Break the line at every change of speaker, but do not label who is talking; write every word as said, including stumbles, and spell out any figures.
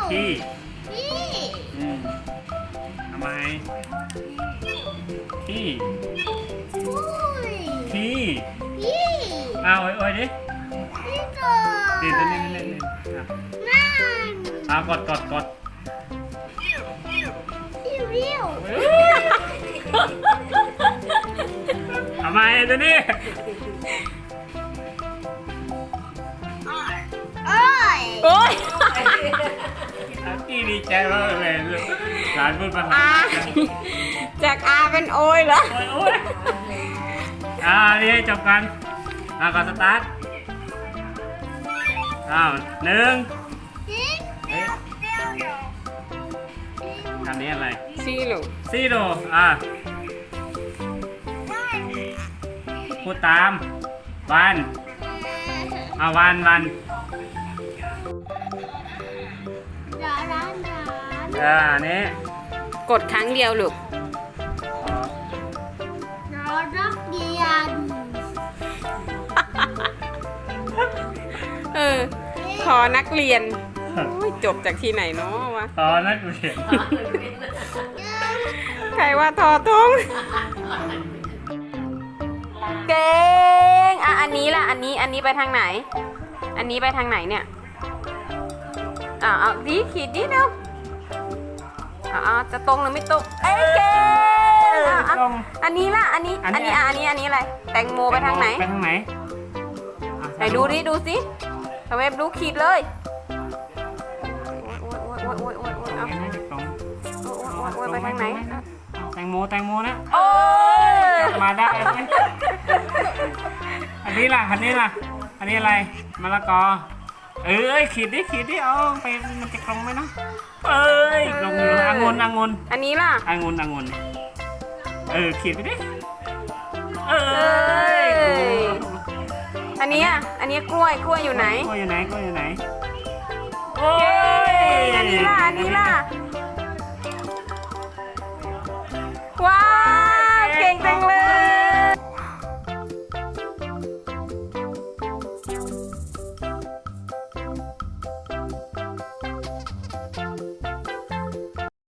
ที่
พี่
อืมทำไมที่
อุ้ย
ที่
พี่
อ้าวโอ้ยโอ้ยดิ
พี่ก่อ
ดิเล่นเล่นเล่นเล่นอ่ะ
นั่น
อ้าวกดกดกด
พี่วิว
ทำไมตัวนี้
โอ้ย
โอ้ย
ที่ดีใจมากเลยหลานพูดภาษา
อาจากอาเป็นโอยเหรอ
โอ้ยโอ้ยอ่านี่ให้จบกันอ่าก่อนสตาร์ทอ้าวหนึ่ง
พี่
เอ๊ะอันนี้อะไร
ซีลูก
ซีโร่อ่ะพูดตาม วันอ่ะวันวัน
ร้านร้านร้าน
อ่าอันนี้
กดครั้งเดียวลูก
ร้านรักเรียน
เออขอนักเรียนโอ้ยจบจากที่ไหนเนาะวะ
ตอนนักเรียน
ใครว่าทอทงเก่งอ่ะอันนี้ล่ะ อันนี้ อันนี้ไปทางไหน อันนี้ไปทางไหนเนี่ยอ่ะเอาดีขีดดีเร็วอ่ะเอาจะตรงหรือไม่ตรง เอ้ยเก่งอ่ะอ่ะ
ตรง
อันนี้ล่ะ อันนี้
อัน
อัน
นี้
นี้อ่ะอันนี้ อันนี้อะไร แตงโมไปทางไหน
ไปทางไหนอ่ะ
ไหนดูดิ ดูสิทำไมดูขีดเลยโอ้ยโอ้ยโอ้ยโอ้ยโอ้ยโอ้ย
ตรง
เอา
นี้น่าจะตรง
โอ้ยโอ้ยโอ้ยไปทางไหน
แตงโมแตงโมนะ
โอ้ย
กลับมาได้ไหมอันนี้ล่ะ อันนี้ล่ะ อันนี้อะไร มะละกอ เอ้ยขีดดิขีดดิเอาไปมันจะตรงไหมเนาะเอ้ยลงอยู่องุ่นองุ่น
อันนี้ล่ะ
องุ่นองุ่นเออขีดไปดิ เอ้
เอ้
ย
ย อันนี้อ่ะ อันนี้กล้วย กล้วยอยู่ไหน
กล้วยอยู่ไหนกล้วยอยู่ไหนโอ้ย
อันนี้ล่ะ อันนี้ล่ะ